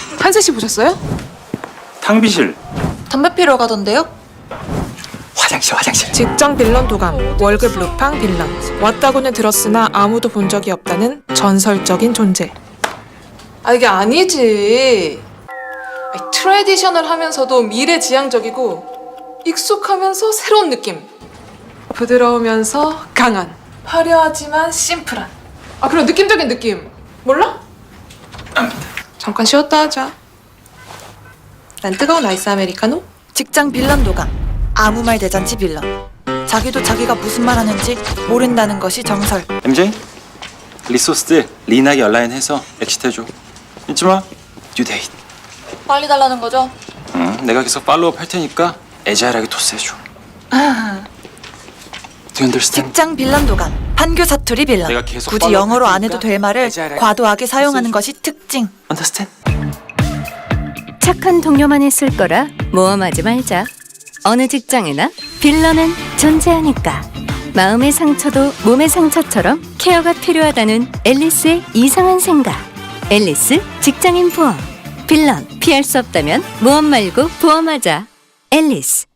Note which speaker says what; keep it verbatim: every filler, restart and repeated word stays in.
Speaker 1: 한세 씨 보셨어요?
Speaker 2: 탕비실.
Speaker 3: 담배 피러 가던데요?
Speaker 2: 화장실 화장실.
Speaker 1: 직장 빌런 도감, 월급 루팡 빌런. 왔다고는 들었으나 아무도 본 적이 없다는 전설적인 존재. 아 이게 아니지. 아니, 트레디셔널 하면서도 미래지향적이고 익숙하면서 새로운 느낌. 부드러우면서 강한. 화려하지만 심플한. 아 그런 느낌적인 느낌. 몰라? 잠깐 쉬었다 하자. 난 뜨거운 아이스 아메리카노?
Speaker 3: 직장 빌런 도감, 아무 말 대잔치 빌런. 자기도 자기가 무슨 말 하는지 모른다는 것이 정설.
Speaker 2: 엠제이 리소스들 리나게 얼라인해서 엑시트 해줘. 잊지 마. 듀데이트.
Speaker 3: 빨리 달라는 거죠?
Speaker 2: 응. 내가 계속 팔로우업 할 테니까 애자일하게 토스해줘. Do you understand?
Speaker 3: 직장 빌런 도감, 판교 사투리 빌런.
Speaker 2: 내가 계속
Speaker 3: 굳이
Speaker 2: 팔로우
Speaker 3: 영어로 안
Speaker 2: 했으니까
Speaker 3: 해도 될 말을
Speaker 2: 애자일하게
Speaker 3: 과도하게 사용하는
Speaker 2: 써줘.
Speaker 3: 것이 특징.
Speaker 2: Understand?
Speaker 4: 착한 동료만 있을 거라 모험하지 말자. 어느 직장에나 빌런은 존재하니까. 마음의 상처도 몸의 상처처럼 케어가 필요하다는 앨리스의 이상한 생각. 앨리스 직장인 보험. 빌런 피할 수 없다면 모험 말고 보험하자. 앨리스.